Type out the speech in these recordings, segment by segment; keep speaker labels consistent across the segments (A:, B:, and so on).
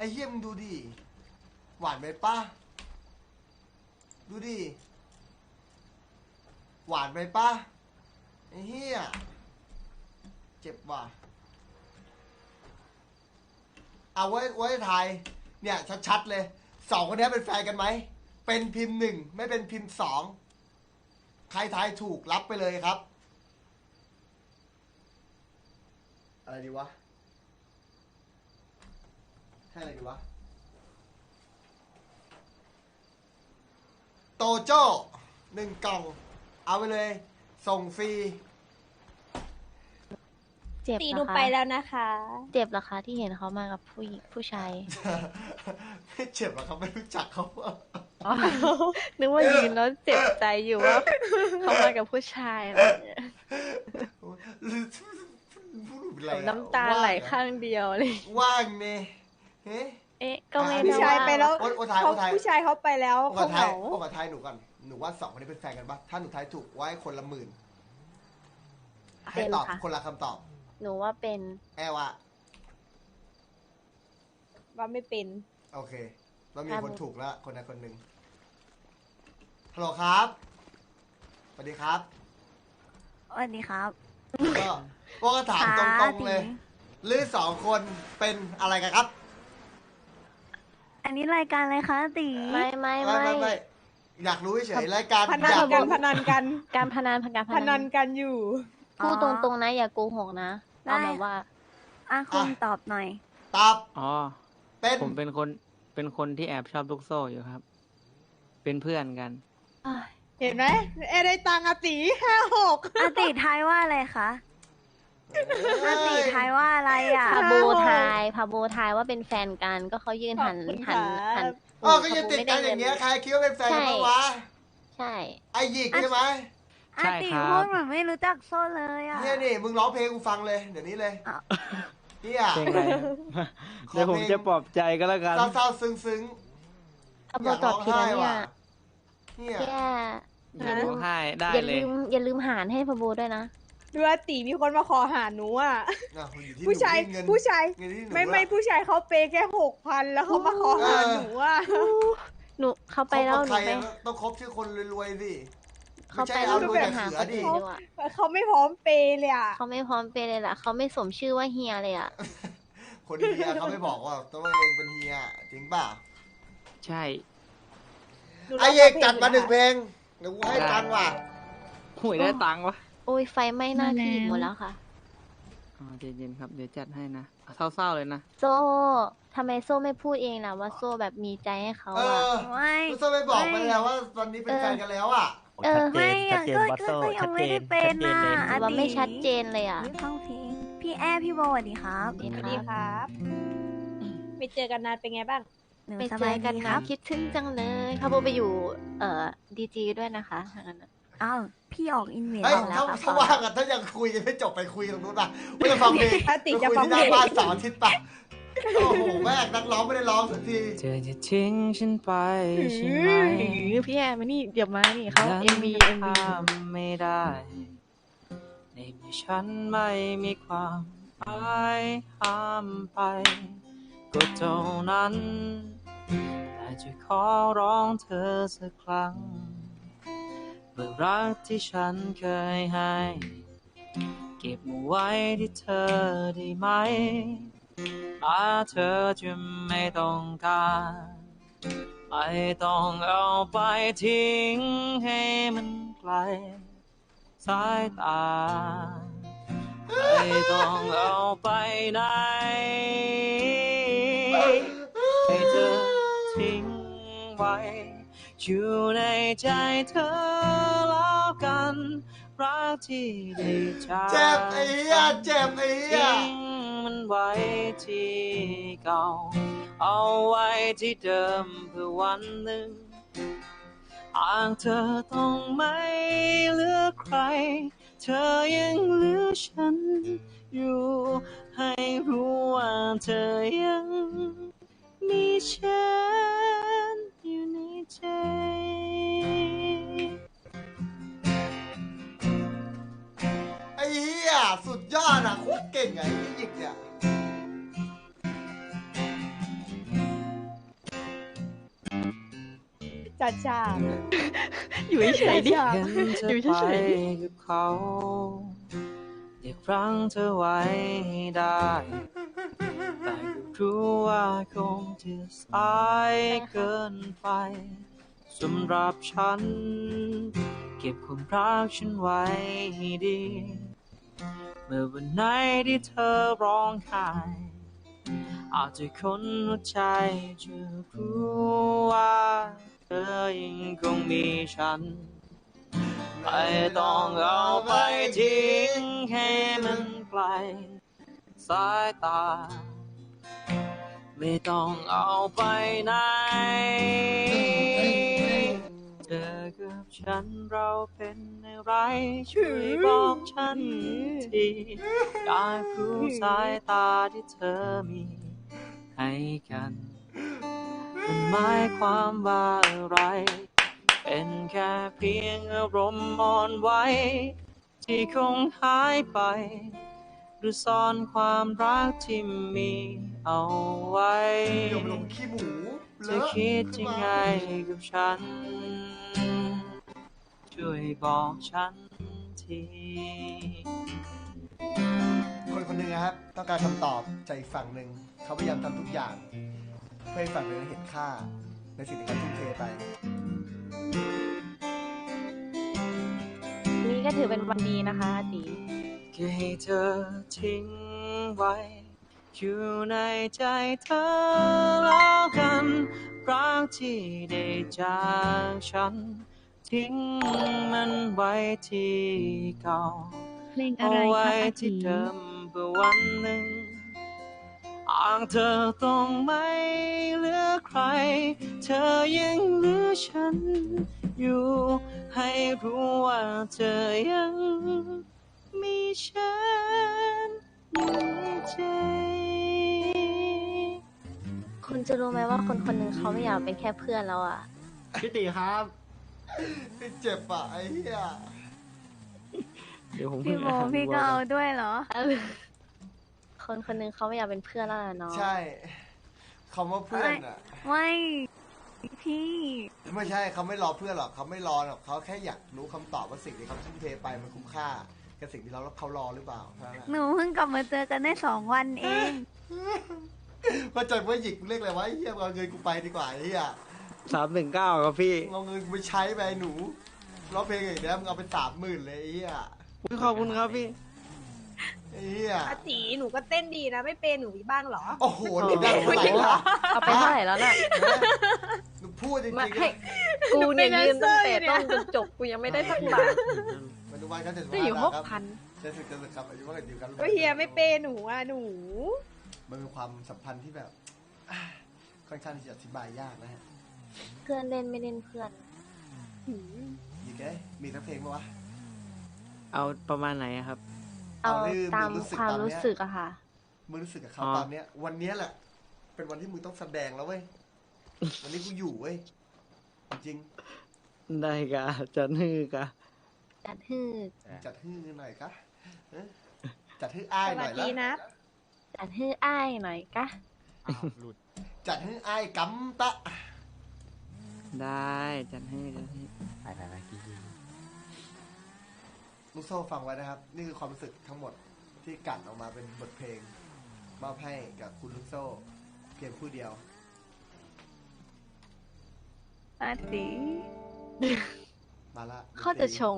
A: อ้เหี้ยมึงดูดิหวานไหมป้าดูดิหวานไหมป้าไอ้เหี้ยเจ็บว่ะเอาไว้ทายเนี่ยชัดๆเลยสองคนนี้เป็นแฟนกันไหมเป็นพิมพ์หนึ่งไม่เป็นพิมพ์สองใครทายถูกรับไปเลยครับอะไรดีวะให้อะไรดีวะโตโจ้1 กล่องเอาไปเลยส่งฟรี
B: เจ็บ
C: ตี
B: เห
C: ห
B: ร
C: นู
B: อคะ
C: ไปแล้วนะคะ
B: เจ็บเหรอคะที่เห็นเขามากับผู้ชาย
A: ไม่เจ็บหรอกครับไม่รู้จักเขา
B: อ๋อนึกว่ายืนแล้วเจ็บใจอยู่ว่าเขามากับผู้ชายอะไรอย่างเงี้ย น้ำตาไหลข้างเดียวเลย
A: ว่างเนี่ยเฮ้
B: เอ๊ะก็ไม่
C: ผู้ชายไปแล้ว
A: โอ้ทาย
C: ผู้ชายเขาไปแล้ว
A: โอ้
C: เขา
A: ทาย
C: เหงา
A: โอ้ทายหนูก่อนหนูว่าสองคนนี้เป็นแฟนกันปะถ้าหนูทายถูกไว้คนละ10,000ให้ตอบคนละคำตอบ
B: หนูว่าเป็น
A: แอลว่า
C: ว่าไม่เป็น
A: โอเคเรามีคนถูกแล้วคนใดคนหนึ่งฮัลโหลครับสวัสดีครับ
D: สวัสดีครับ
A: ก็ถามตรงๆเลยหรือสองคนเป็นอะไรกันครับ
D: อันนี้รายการอะไรคะตี
B: ไม่
A: ไม่อยากรู้เฉยๆรายการ
C: พนั
A: อน ยาก
C: กัน
A: รู้
C: พนันกัน
B: การพนัน
C: พนันกันอยู่
B: พูดตรงๆนะอย่าโกหกนะเอาแบบว่า
D: คุณตอบหน่อย
A: ตอบ
E: อ๋อ
A: เป็น
E: ผมเป็นคนที่แอบชอบลูกโซ่อยู่ครับ เป็นเพื่อนกัน
C: เห็นไหมได้ตังค์ตี56
D: อาติทายว่าอะไรคะอาติทายว่าอะไรอ่ะ
B: พาโบทายว่าเป็นแฟนกันก็เขายืนหัน
A: ก็ยังติดกันอย่างเงี้ยใครคิดว่าเป็นแฟนกันบ้างวะ
B: ใช่
A: ไอหยิกใช่ไหม
D: อาติ
E: ใช่ครับ
D: พูดเหมือนไม่รู้จักโซ่เลยอ่ะ
A: เนี่ยนี่มึงร้องเพลงกูฟังเลยเดี๋ยวนี้เลย
D: อ้าว
A: เนี่ย
E: เพลงอะไรครับ เดี๋ยวผมจะปลอบใจก็แล้วกัน
A: เศร้าๆซึ้ง
B: พา
A: ๆ
B: โบตอบผิดแล้วเนี่ย
A: เนี่ย
B: แย่
E: อย่าร้องไห้ได้
B: อย่า
E: เลย
B: ลืมหารให้พาโบด้วยนะ
C: ดูว่าตีมีคนมาขอหาหนูอ่ะ
A: อยู่ที่
C: ผู้ชาย
A: เงิน
C: ผู้ชาย
A: เงินที่หนู
C: ไม่ผู้ชายเขาเปย์แค่6,000แล้วเขามาขอหาหนูอ่ะ
B: หนูเขาไปแล้วหนู
A: คบกับ
B: ไป
A: ใครต้องคบชื่อคนรวยๆสิ
B: เขาไป
A: ม่ใช่
B: แล้ว
A: เอา
B: หนู
A: รวย
B: ไป
A: แต่
B: หา
A: เสื
B: ค
A: อน ดิ
B: อื่นดีกว่า
C: เขาไม่พร้อมเปย์เลยอ่ะ
B: เขาไม่พร้อมไปเลยล่ะเขาไม่สมชื่อว่าเฮียเลยอ่ะ
A: คนเฮียเขาไม่บอกว่าตัวเองเป็นเฮียจริงป่ะ
E: ใช่
A: ไอเอกจัดมา1 เพลงเดี๋ยวกูให้ตังค์ว่ะ
E: หวยได้ตังค์วะ
B: โอ้ยไฟไหม้หน้าที่หมดแล้วค่ะ
E: อ๋อใจเย็นครับ เดี๋ยวจัดให้นะเศร้าๆเลยนะ
B: โซ่ทำไมโซ่ไม่พูดเองล่ะว่าโซ่แบบมีใจให้เขา
A: เอ
B: อ่ะ
A: อ
D: ไม่
A: คุณส้มไม่บอกไปแล้วว่าตอนนี้เป็นแฟนกันแล้วอ่ะ
B: เออ
D: ไม่ยังก็ยังไม่ได้เป็นนะ
B: ถือว่าไม่ชัดเจนเลยอ่ะ
D: ฟังเพลงพี่แอร์พี่โบสวัสดีครับ
B: สวัส
C: ส
B: ดี
C: วัสดีครับไม่เจอกันนานเป็นไงบ้าง
D: หนู
B: ไป
D: ส
B: เจ
D: บา
B: อย กัน
D: ดีค
B: นะ
D: รับ
B: คิดถึงจังเลยพาโบไปอยู่ดีจีด้วยนะคะทางนั้นน่ะ
D: อ้าวพี่ออกอินเวส
A: เฮ้ย
D: แล้วครับ
A: ถ้าว่างอ่ะถ้ายังคุยกันไม่จบไปคุยตรงนู้นป่ะไม่จะฟังเพลง
C: ถ้าติด
A: ไป
C: จะ
A: คุย
C: ฟัง
A: ที่ห
C: เพล
A: น้าง บ้านเสาร์อาทิตย์ป่ะโอ้โหแม่งนักร้องไม่ได้ร้องสักที
E: เธอจะทิ้งฉันไปใช่ไหม
B: พี่แอร์มานี่เดี๋ยวมานี่เขาเอ็มบี
E: ห้ามไม่ได้ในเมื่อฉันไม่มีความหมายห้ามไป ก็เท่านั้น แต่จะขอร้องเธอสักครั้งเมื่อรักที่ฉันเคยให้ เก็บไว้ที่เธอได้ไหมมาเธอจะไม่ต้องการไม่ต้องเอาไปทิ้งให้มันไกลสายตาไม่ต้องเอาไปไหนให้เธอทิ้งไว้อยู่ในใจเธอแล้วกันรักที่ได้จาก
A: เจ็บไอ้เหี้ยเจ็บไอ้เหี้ย
E: ทิ้งมันไว้ที่เก่าเอาไว้ที่เดิมเพื่อวันหนึ่งหากเธอต้องไม่เหลือใครเธอยังเหลือฉันอยู่ให้รู้ว่าเธอยังมีฉันอยู่ในใจ
A: ไอ้เหี้ยสุดยอดอ่ะโคตรเก่งไงไอ้หยิกเนี่ย
C: จัดฉาก
B: อยู่เฉยๆดิ
C: จัดฉาก
E: เห็นเธอ
B: อยู่
E: ไป
B: เฉย
E: กับเขาอยากรั้งเธอไว้ให้ได้ แต่ก็รู้ว่าคงจะสายเกินไปสำหรับฉัน เก็บความรักฉันไว้ให้ดี เมื่อวันไหนที่เธอร้องไห้อาจจะคนหัวใจจะรู้ว่าเธอยังคงมีฉัน ไม่ต้องเอาไปทิ้งให้มันไกลสายตา ไม่ต้องเอาไปไหนเธอกับฉันเราเป็นอะไรช่วยบอกฉันทีอยากรู้สายตาที่เธอมีให้กันมันหมายความว่าอะไรเป็นแค่เพียงอารมณ์อ่อนไหวที่คงหายไปหรือซ่อนความรักที่มีเอาไว้
A: เดี๋ยวลงขี้หมู
E: เธอคิดยังไงกับฉัน ช่วยบอกฉันที
A: คนคนหนึ่งนะครับ ต้องการคำตอบจากอีกฝั่งหนึ่งเขาพยายามทำทุกอย่าง เพื่อให้ฝั่งหนึ่งเห็นค่าในสิ่งที่เขาทุ่มเทไป
B: นี่ก็ถือเป็นวันดีนะคะอาตี
E: แค่ให้เธอทิ้งไว้ อยู่ในใจเธอแล้วกันรักที่ได้จากฉัน ทิ้งมันไว้ที่เก่า
D: เพลงอะ
E: เอา
D: ไรค
E: ไว้
D: รับอา
E: ที่
D: ตี
E: เดิมเพื่อวันหนึ่งอ่างเธอต้องไม่เหลือใคร เธอยังเหลือฉันอยู่ ให้รู้ว่าเธอยังมีฉันอยู่ในใจ
B: คุณจะรู้ไหมว่าคนคนหนึ่งเขาไม่อยากเป็นแค่เพื่อนแล้วอ่ะ
F: พี่ตีครับ
A: เจ็บอ่ะไอ้เหี้ย
E: เดี๋ยวผม
D: พี่โมพี่ก็เอาด้วยเหรอ
B: คนคนหนึ่งเขาไม่อยากเป็นเพื่อนแล้วล่ะเนาะ
A: ใช่คำว่าเพื่อนอ่ะ
D: ไม่พี่
A: ไม่ใช่เขาไม่รอเพื่อนหรอกเขาไม่รอหรอกเขาแค่อยากรู้คำตอบว่าสิ่งที่เขาทุ่มเทไปมันคุ้มค่ากับสิ่งที่เขารอหรือเปล่าเท่านั้นแหละ
D: หนูเพิ่งกลับมาเจอกันได้2 วันเอง
A: ว่าใจว่าหยิกเรียกอะไรวะไอ้เหี้ยเอาเงินกูไปดีกว่าไอ้เหี้ย
E: 319ครับพี่
A: เอาเงินกูไปใช้ไปไอ้หนูร้องเพลงอย่างเนี้ยมึงเอาไป30,000เลยไอ้เหี้ย
E: ขอบคุณครับพี่
A: ไอ้เหี้ย
C: อาตีหนูก็เต้นดีนะ ไม่เป็นหนูมีบ้างเหรอ
A: โอ้โหหนูได้เท่าไหร่ล่ะ
B: เอาไปเท่าไหร่แล้วน่ะ
A: หนูพูดจริง
B: มา
A: ๆ
B: ให้
A: นะ
B: กูเนี่ย
C: หนูเป็น
B: ยืนตั้งแต่
C: แดนเซอร์เนี่ย
B: ต้นจนจบกูยังไม่ได้สักบาท
A: มันดูวันกันเจ็ดสิบ
B: จะ
A: ห้า
B: อยู่
A: ครับ
B: 6,000
A: เจ็ดสิบครับอายุว่ากันอยู่กัน
C: ก็เฮียไม่เป็นหนูอ่ะหนู
A: มันเป็นความสัมพันธ์ที่แบบค่อนข้างที่จะอธิบายยากนะฮะ
B: เพื่อนเล่นไม่เล่นเพื่อน
A: ยิงไงมีสักเพลงไหมวะ
E: เอาประมาณไหนอะครับ
B: เอา
A: เอาที่
B: ตาม
A: มึงรู้สึก
B: ความ
A: ตอนเนี้ย
B: รู้สึกอะค่ะ
A: มึงรู้สึกกับเขา
E: อ๋อ
A: ตอนเนี้ย วันเนี้ยแหละ เป็นวันที่มึงต้องแสดงแล้วเว้ย วันนี้กูอยู่เว้ย จริง
E: ได้กะจะนือกะ
B: จัดฮือ
A: ๆจัดฮื้อหน่อยกะเอ๊ะจัดฮื้ออ้าย
C: ส
A: ห
C: วั
A: น่
C: ส
A: อย
C: ดี
A: ละ
C: นะ
B: จัดฮืออ้ายหน่อยกะ
A: จัดฮื้ออ้ายกำตะ
E: ได้จัดให้จัดให้
A: ลูกโซ่ฟังไว้นะครับ นี่คือความรู้สึกทั้งหมดที่กลั่นออกมาเป็นบทเพลงมอบให้กับคุณลูกโซ่ เพียงผู้เดียว
D: อาตี
A: มาละ
B: เขาจะชง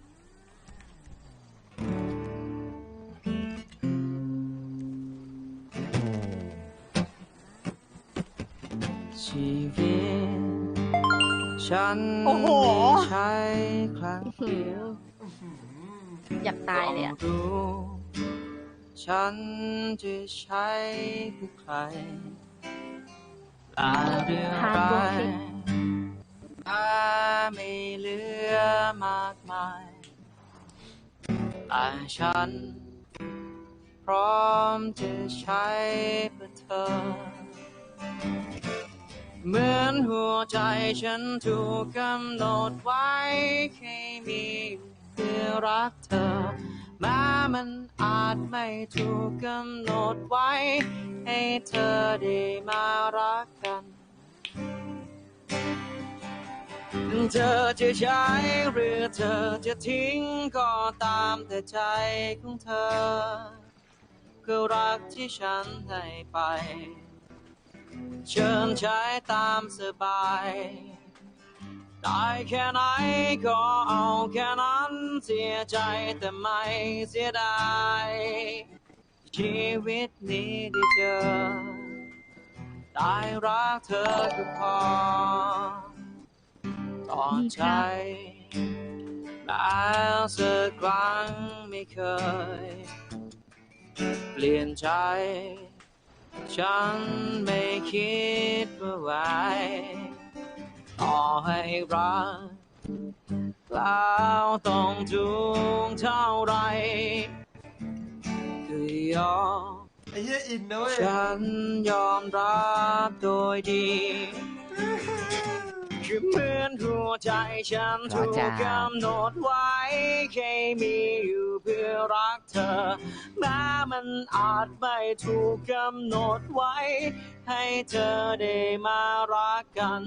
E: ชีวิตฉัน
C: โอ้โห
E: ไม่ใช่ครั้งเดียว
B: อยากตายเลยอะ
E: ต้องรู้ฉันจะใช้เพื่อใครลาเรื่อง
B: ฮาร์ด
E: ร้า
B: เวิร์
E: ย
B: กิ้ง
E: มาไม่เหลือมากมายแต่ฉัน พร้อมจะใช้เพื่อเธอ เหมือนหัวใจฉันถูกกำหนดไว้ให้มีเพื่อรักเธอแม้มันอาจไม่ถูกกำหนดไว้ให้เธอได้มารักกันเธอจะใช้หรือเธอจะทิ้งก็ตามแต่ใจของเธอคือรักที่ฉันให้ไปเชิญใช้ตามสบายได้แค่ไหนก็เอาแค่นั้นเสียใจแต่ไม่เสียดายชีวิตนี้ได้เจอได้รักเธอก็พอต่อใจแล้วสักครั้งไม่เคยเปลี่ยนใจฉันไม่คิดว่าไหวต่อให้รักแล้วต้องทุกข์เท่าไรคือยอม
A: ไอ้เหี้ยอินนะเว้ย
E: ฉันยอมรับโดยดีคือเหมือนหัวใจฉันถูกกำหนดไว้แค่มีอยู่เพื่อรักเธอแม้มันอาจไม่ถูกกำหนดไว้ให้เธอได้มารักกัน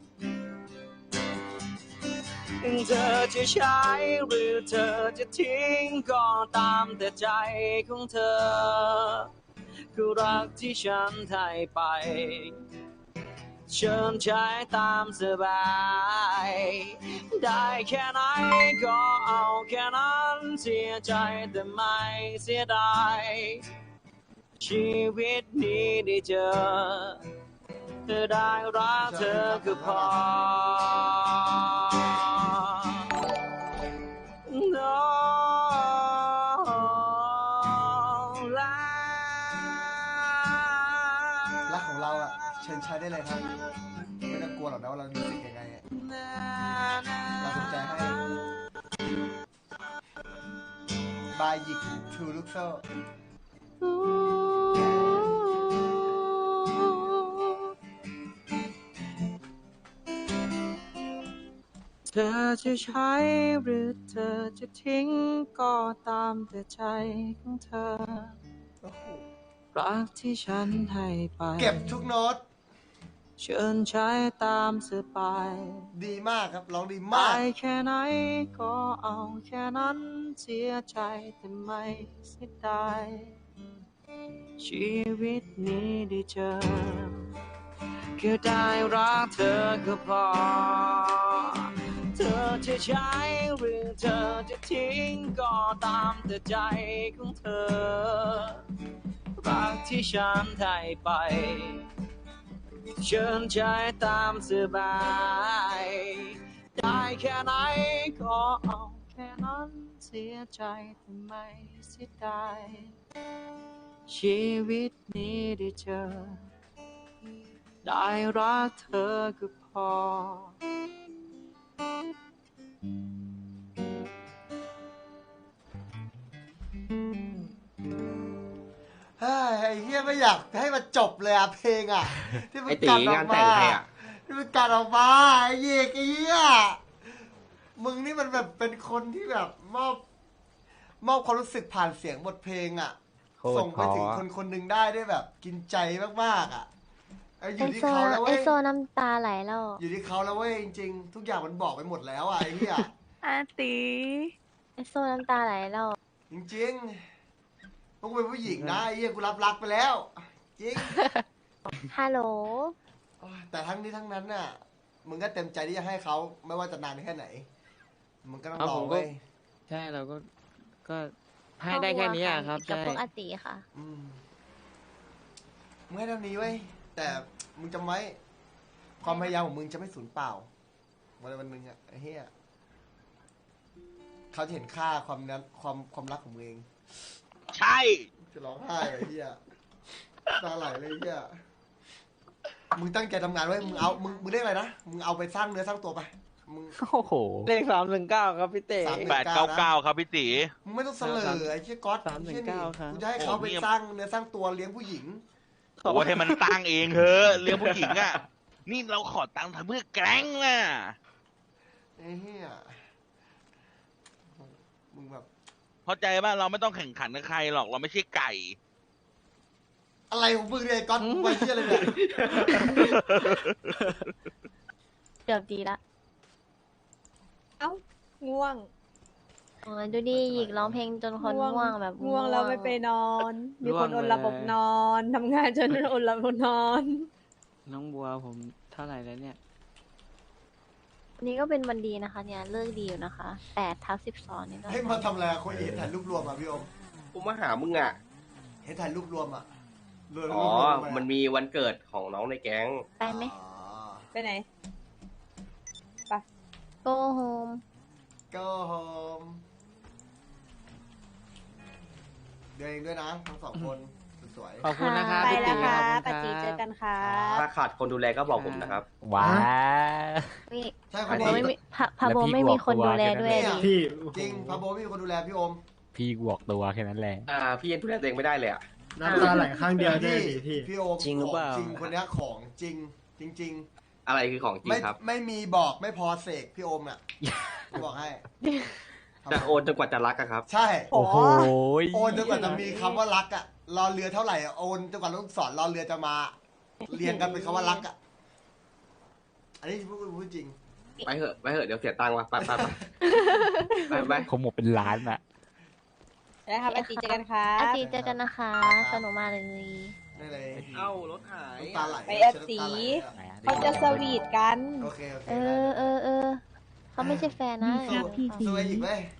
E: เธอจะใช้หรือเธอจะทิ้งก็ตามแต่ใจของเธอคือรักที่ฉันให้ไปเชิญใช้ตามสบายได้แค่ไหนก็เอาแค่นั้นเสียใจแต่ไม่เสียดายชีวิตนี้ได้เจอเธอได้รักเธอก็พอ
A: รักของเราอ่ะเชิญใช้ได้เลยครับไม่ต้องกลัวหรอกนะว่าเรารู้สึกยังไงอะเราสนใจให้บายหยิกทูลูกโซ่
E: เธอจะใช้หรือเธอจะทิ้งก็ตามแต่ใจของเธอรักที่ฉันให้ไป
A: เก็บทุกโน้ต
E: เชิญใช้ตามสบาย
A: ดีมากครับร้องดีมาก
E: ได้แค่ไหนก็เอาแค่นั้นเสียใจแต่ไม่เสียดายชีวิตนี้ได้เจอแค่ได้รักเธอก็พอเธอจะใช้หรือเธอจะทิ้งก็ตามแต่ใจของเธอรักที่ฉันให้ไปเชิญใช้ตามสบายได้แค่ไหนก็เอาแค่นั้นเสียใจแต่ไม่เสียดายชีวิตนี้ได้เจอได้รักเธอก็พอ
A: เฮ้ยไอ้เฮียไม่อยากให้มันจบเลยอะเพลงอะที่มัน
F: ไอ้ตี
A: กัดออง
F: าก นแต่
A: มาง
F: ใครอะ
A: ที่มันกัดออกมาไอ้เหี้ยไอ้เหี้ยมึงนี่มันแบบเป็นคนที่แบบมอบความรู้สึกผ่านเสียงบทเพลงอะ
F: โคตร
A: ส่งไปถึง
F: เพราะ
A: คนคนหนึ่งได้แบบกินใจมากๆอะอยู่ที่
B: ไอ
A: เขาแล้ว
B: ไอ
A: เว้ย
B: โซน้ำตาไหลแล้ว
A: อยู่ที่เขาแล้วเว้ยจริงๆทุกอย่างมันบอกไปหมดแล้วอะไอ้เหี้ย
D: อาตี
B: ไอโซน้ำตาไหลแล้ว
A: จริงๆพวกกูเป็นผู้หญิงนะไอ้เหี้ยกูรับรักไปแล้วจริง
B: ฮัลโหล
A: โอ้ยแต่ทั้งนี้ทั้งนั้นน่ะ มึงก็เต็มใจที่จะให้เขาไม่ว่าจะนานแค่ไหน มึงก็ต้อง
F: เอา
A: รอ
F: ผมก็
A: เว้ย
F: ใช่เราก็ให้ได้แค่นี้อะครับ
B: กับ
F: ใช่
B: พวกอาติค่ะ
A: อืมมึงให้เท่านี้เว้ยแต่มึงจำไว้ความพยายามของมึงจะไม่สูญเปล่าวันหนึ่งอะไอ้เหี้ยเขาจะเห็นค่าความรักของมึงเอง
G: ใช่
A: จะร้องไห้ไอ้เหี้ยตาไหลเลยไอ้เหี้ยมึงตั้งใจทำงานไว้มึงเรียกอะไรนะมึงเอาไปสร้างเนื้อสร้างตัวไปมึง
F: โอ้โห
E: เลข319ครับพี่เต๋
G: 899ครับพี่ตี
A: มึงไม่ต้องเสลอไอ้เชี่ยก๊อต
E: 319ครับ
A: กูจะให้เขาไปสร้างเนื้อสร้างตัวเลี้ยงผู้หญิง
G: โอ้ให้มันตั้งเองเถอะเรื่องผู้หญิงอ่ะ นี่เราขอตังค์ทำเพื่อแกล้งน่ะ
A: ไอ้เหี้ยมึงแบบ
G: เข้าใจป่ะเราไม่ต้องแข่งขันกับใครหรอกเราไม่ใช่ไก่
A: อะไรของมึงเนี่ยก๊อตมึงไปเชี่ยอะไรเนี่ย
B: เกือบดีละ
C: เอ้าง่วง
B: โอ้ยดูดิหยิกร้องเพลงจนคนง่วงแบบ
C: ง่วงแล้วไม่ไปนอน มีคน
E: ง่วง
C: อ
E: เลย
C: นระบบนอนทำงานจนอดระบบนอน
E: น้องบัวผมเท่าไหร่แล้วเนี่ย
B: วันนี้ก็เป็นวันดีนะคะ เนี่ยเลิกดีอยู่นะคะ8/12นี่ก็
A: ให้มาทำอะไรอะคนเห็นถ่ายรูปรวมอ่ะพี่อม
H: กูมาหามึงอ่ะ
A: เห็นถ่ายรูปรวมอ่ะรวม
H: อ๋อ
A: รูปรวอะ
H: มันมีวันเกิดของน้องในแก๊ง
B: ไปไหม
A: อ๋อ
C: ไปไหน
B: go home
A: go home เดินเองด้วยนะทั้งสองคนสวย
F: ขอบคุณนะครับ
C: ไป
F: พี่
C: แล้ว
F: ตี
C: ค่ะ
F: ขอบคุณ
C: ปาจีเจอกันค่ะ
H: ถ้าขาดคนดูแลก็บอกผมนะครับ
I: ว้า
B: นี่
A: ๆใช่ค
B: พาน โบ
A: นี้
B: ไม่มีพาโบไม่มีคนดูแลด้วย
A: เนี่ย
B: ดิ
I: พี่
A: จริงพาโบไม่มีคนดูแลพี่อม
I: พี่บวกตัวแค่นั้นแหละ
H: พี่ยังดูแลตัวเองไม่ได้เลยอ่ะ
I: น้ำตาไหลข้างเดียวด้วยดิพี่
A: พี่โอม
E: จริงหรือเปล่า
A: ขจริงคนเนี้ยของจริง จริง
H: อะไรคือของ
A: ๆ
H: จริง
A: ไม่
H: ครับ
A: ไม่มีบอกไม่พอเสกพี่โอมอ่ะบอกให้
H: จะโอนจนกว่าจะรักอะครับ
A: ใช่
C: โอ้โห
A: โอนจนกว่าจะมีคำว่ารักอ่ะรอเรือเท่าไหร่อะโอนจนกว่าลูกศรรอเรือจะมา เรียงกันเป็นคำว่ารักอ่ะอันนี้พูดจริง
H: ไปเหอะเดี๋ยวเสียตังค์ว่ะไป
I: คงหมดเป็นล้านอะ
C: แล้วค่ะปาจีเจอกันค่ะ
B: อาทิตย์เจอกันนะคะ สนุกมากเลย
A: ได้เลย
H: เอ้ารถหาย
A: น้ำตาไหล
C: ไปแอบสี
A: น้ำตาไหล
C: เขาจะสวีทกัน
A: โอเค
B: เออเขาไม่ใช่แฟนนะ
A: สวยอีกเว้ย